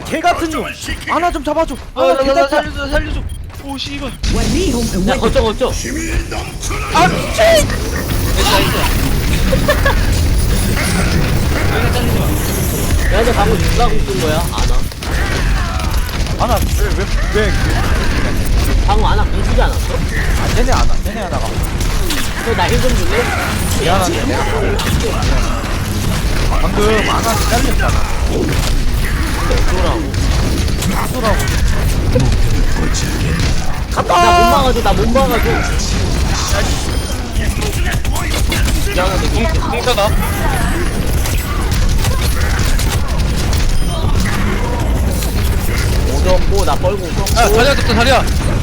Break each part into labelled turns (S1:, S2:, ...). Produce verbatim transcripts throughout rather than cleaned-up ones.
S1: 개 같은 놈. 아나 좀 잡아줘.
S2: 어,
S1: 아나
S2: 나,
S1: 개
S2: 나, 나
S1: 같아.
S2: 살려줘, 살려줘. 오, 씨발.
S3: 야 거쳐 거쳐.
S1: 아 미친.
S2: 나이스, 나이스. 여기서 잘리지 마.
S3: 야 근데 방금 누가 궁쓴 거야? 아나.
S1: 아나 왜왜왜
S3: 방금 아나 궁쓰지 않았어?
S1: 아, 쟤네 아나 쟤네 아나가.
S3: 나힐좀 줄래?
S1: 미안한데 내가 방금 아나 잘렸잖아.
S3: 어쩌라고.
S1: 어쩌라고.
S3: 나 못 막아줘 나 못 막아줘. 미안한데 궁
S2: 공짜다.
S3: 얻었고 나 뻘궁
S2: 야,
S3: 썼고.
S2: 다리야, 떴다, 다리야.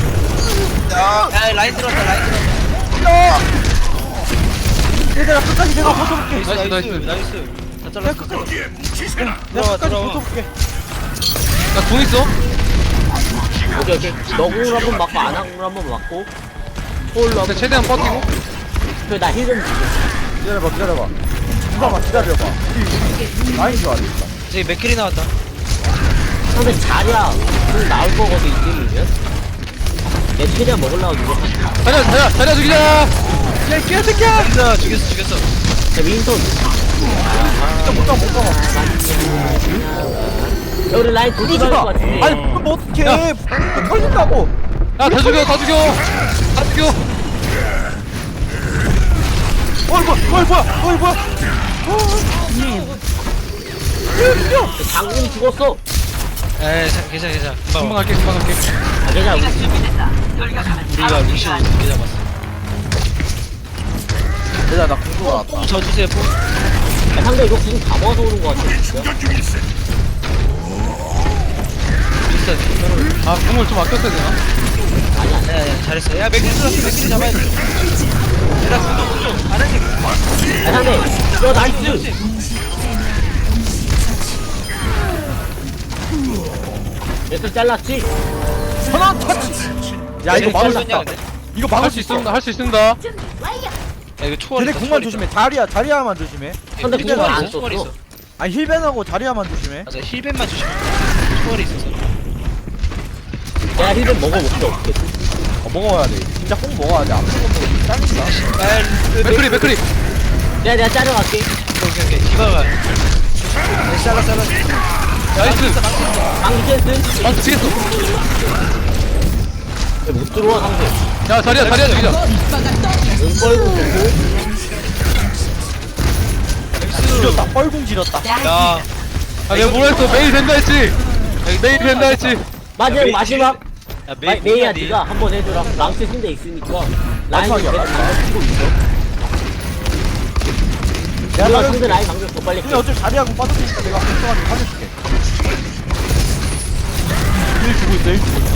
S2: 야, 라인 들어왔다, 라인 들어왔다.
S1: 야! 얘들아 끝까지 내가 버텨볼게.
S2: 나이스,
S1: 내가
S2: 나이스, 나이스. 다 잘랐어. 들어와,
S1: 끝까지
S2: 들어와.
S1: 버텨볼게.
S2: 나궁 있어?
S3: 오케이 오케이. 너 궁을 한번 맞고 아나 궁을 한번 맞고. 홀로
S2: 근데 최대한 버티고.
S3: 그래 나힐좀 주게.
S1: 기다려봐 기다려봐. 잠깐만 기다려봐. 라인 좋아 진짜.
S2: 저기 맥클이 나왔다.
S3: 상대 자리야 궁 나올 거거든 이쯤이면. 내 최대한 먹으려고 누가
S2: 다리야, 다리야, 다리야 죽이자.
S1: 야 개새끼야!
S2: 죽였어, 죽였어, 죽였어.
S3: 자 윈선.
S1: 못가 못가.
S3: 야 우리 라인 도지갈 것 같은데.
S1: 아니 뭐 어떡해. 털린다고.
S2: 야, 다 죽여, 다 죽여. 다 죽여.
S1: 어이 뭐야 어이 뭐야 어이 뭐야.
S3: 장군 죽었어.
S2: 에이, 자, 괜찮아, 괜찮아. 금방 갈게, 금방 갈게.
S3: 아 괜찮아. 우리
S2: 우리가 루시오 두개 잡았어.
S1: 얘들아 나 공도 나왔다.
S2: 뽕 져주세요, 뽕.
S3: 야, 상대 이거 궁 다 모아서 오는 거 같아 진짜.
S2: 비슷하지. 아, 궁을 좀 아꼈어야 되나?
S3: 아니야.
S2: 야, 야, 잘했어. 야, 맥클 들어왔어, 맥클이 잡아야 돼. 얘들아, 궁도 궁도. 안 하지.
S3: 야 상대. 야 나이스. 얘들 잘랐지?
S1: 전원 터치. 야 이거 막을 수 있다. 이거 막을 수 있어.
S2: 할 수 있습니다. 야, 이거 초월.
S1: 쟤네 궁만 조심해. 다리야 다리야만 조심해.
S3: 근데
S1: 힐벤
S3: 궁을 안
S1: 하고.
S2: 초월이 있어.
S3: 썼어.
S1: 아니 힐벤하고 다리야만 조심해.
S2: 맞아, 힐벤만 조심해. 초월이 있어서.
S3: 내가 힐좀 먹어볼게 어떻게.
S1: 어, 먹어야 돼. 진짜 꼭 먹어야 돼. 안 먹으면 짜증나.
S2: 맥클이, 맥클이.
S3: 내가 내가 자르갈게.
S2: 오케이, 오케이. 디바가. 잘라, 잘라. 나이스.
S3: 방기 댄스.
S2: 망치 치겠어.
S3: 못 들어와 상대.
S2: 야, 자리야, 자리야 죽이자.
S3: 응 뻘궁 좋고.
S1: 지렸다. 뻘궁 지렸다.
S2: 야. 아, 내가 뭐라 했어? 메일 된다 했지? 메일 된다 했지?
S3: 마지막
S2: 메이-
S3: 마지막.
S2: 야,
S3: 마- 메이야 니가 한번 해줘라. 랑스 신대 있으니까. 라인
S1: 마지막이야,
S3: 계속
S1: 마지막.
S3: 방금 치고 있어.
S1: 내가
S3: 내가
S1: 나를-
S3: 상대 라인 방금 더 빨리
S1: 근데
S3: 깨.
S1: 어차피 자리하고 빠졌으니까 내가 걱정하지 살려줄게. 일 주고 있어. 일 주고 있어.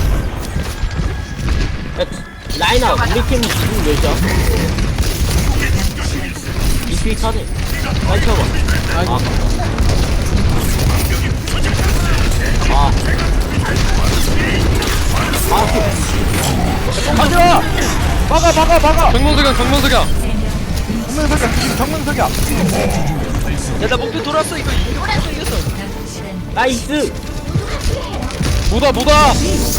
S3: 야, 라인아 우리 팀 지금 몇이야? 이피 차네. 빨리 쳐봐. 아. 아. 아.
S1: 가자. 막아 막아 막아.
S2: 정면석양, 정면석양.
S1: 정면석이야. 지금 정면석이야.
S2: 야, 나 목표 돌았어. 이거 이겼어, 이겼어.
S3: 나이스.
S2: 뭐다, 뭐다.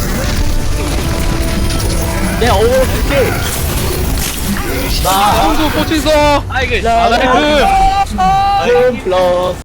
S3: 내 어워 줄게. 나.
S2: 형도 꽂힌 써.
S3: 아,
S2: 아,
S3: 이게.
S2: 나이스.
S3: 홈 플러스.